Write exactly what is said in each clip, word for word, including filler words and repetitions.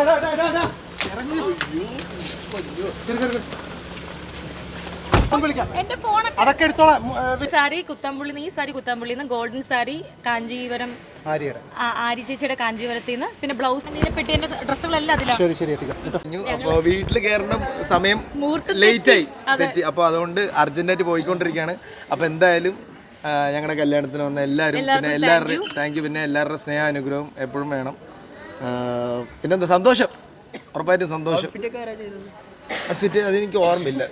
അതൊക്കെ എടുത്തോളാം. സാരി കുത്തമ്പുള്ളി ഈ സാരി കുത്തമ്പുള്ളിന്ന് ഗോൾഡൻ സാരി കാഞ്ചീവരം ആരി ചേച്ചിയുടെ കാഞ്ചീവരത്തിൽ നിന്ന് പിന്നെ ബ്ലൗസ് പെട്ടിന്റെ ഡ്രസ്സുകളെല്ലാം അതിലാണ്. വീട്ടിൽ കയറണം സമയം ലേറ്റ് ആയി തെറ്റി, അപ്പൊ അതുകൊണ്ട് അർജന്റായിട്ട് പോയിക്കൊണ്ടിരിക്കുകയാണ്. അപ്പൊ എന്തായാലും ഞങ്ങളുടെ കല്യാണത്തിന് വന്ന എല്ലാവരും പിന്നെ എല്ലാവരുടെയും താങ്ക് യു, പിന്നെ എല്ലാവരുടെ സ്നേഹ അനുഗ്രഹവും എപ്പോഴും വേണം. പിന്നെന്താ സന്തോഷം, ഉറപ്പായിട്ടും സന്തോഷം. ഔട്ട്ഫിറ്റ് അതെനിക്ക് ഓർമ്മയില്ല.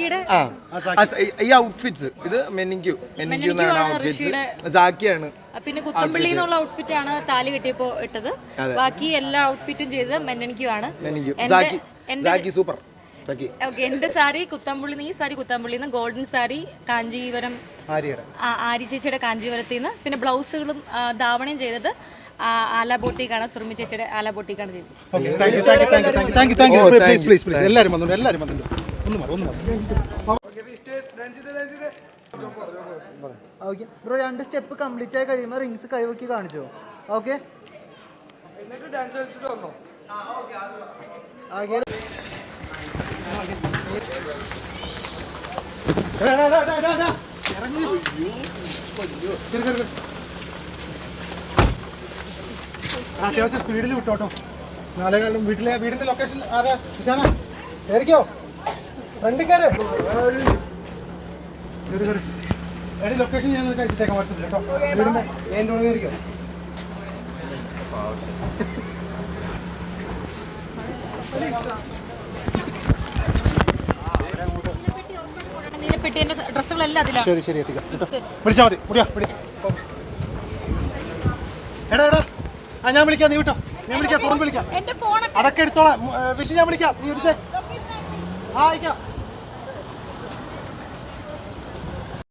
ഈ ഔട്ട്ഫിറ്റ്സ് ഇത് മെനിക്യു മെനിക്യു എന്നാണ് ഔട്ട്ഫിറ്റ്സ്. സാക്കിയാണ്. പിന്നെ കുത്തമ്പള്ളി എന്നുള്ള ഔട്ട്ഫിറ്റ് ആണ് താലി കെട്ടിയപ്പോ ഇട്ടത്. ബാക്കി എല്ലാ ഔട്ട്ഫിറ്റും ചെയ്തത് മെനനിക്യു ആണ്. സൂപ്പർ. എന്റെ സാരി കുത്തമ്പുള്ളി ഈ സാരി കുത്തമ്പുള്ളിന്ന് ഗോൾഡൻ സാരി കാഞ്ചീവരം ആരി ചേച്ചിയുടെ കാഞ്ചീവരത്തിൽ നിന്ന് പിന്നെ ബ്ലൗസുകളും ധാവണയും ചെയ്തത് ആല ബോട്ടിക്കാണ്, സുറുമി ചേച്ചിയുടെ ആല ബോട്ടിക്കാണ് ചെയ്തത്. ബ്രോ രണ്ട് സ്റ്റെപ്പ് കംപ്ലീറ്റ് ആയി കഴിയുമ്പോൾ റിങ്സ് കൈവക്കി കാണിച്ചോ. ഓക്കെ, എന്നിട്ട് ഡാൻസ് കളിച്ചിട്ട് വന്നോ. അത്യാവശ്യം സ്പീഡിൽ വിട്ടോട്ടോ. നാലേകാലം വീട്ടിലെ വീടിന്റെ ലൊക്കേഷൻ ആരാ വിശാന കയറിക്കോ, ഫ്രണ്ടിക്കാര് എടി ലൊക്കേഷൻ ഞാൻ അയച്ചിട്ടേക്കാം വാട്സപ്പിൽ കേട്ടോ. വീടിന്റെ എൻ്റെ ഉള്ളിൽ കയറിക്കോ. പെട്ടിന്റെ ഡ്രസ്സുകളെല്ലാം അതിലാണ്. ശരി ശരി എത്തിക്കാം കേട്ടോ. വിളിച്ചാൽ മതി. മുടിയാ മുടി. എടാ എടാ ആ ഞാൻ വിളിക്കാം, നീ വിട്ടോ. ഞാൻ വിളിക്കാം, ഫോൺ വിളിക്കാം. അതൊക്കെ എടുത്തോളാം ഋഷി, ഞാൻ വിളിക്കാം. നീ എടുത്തേ. ആ അയക്കാം.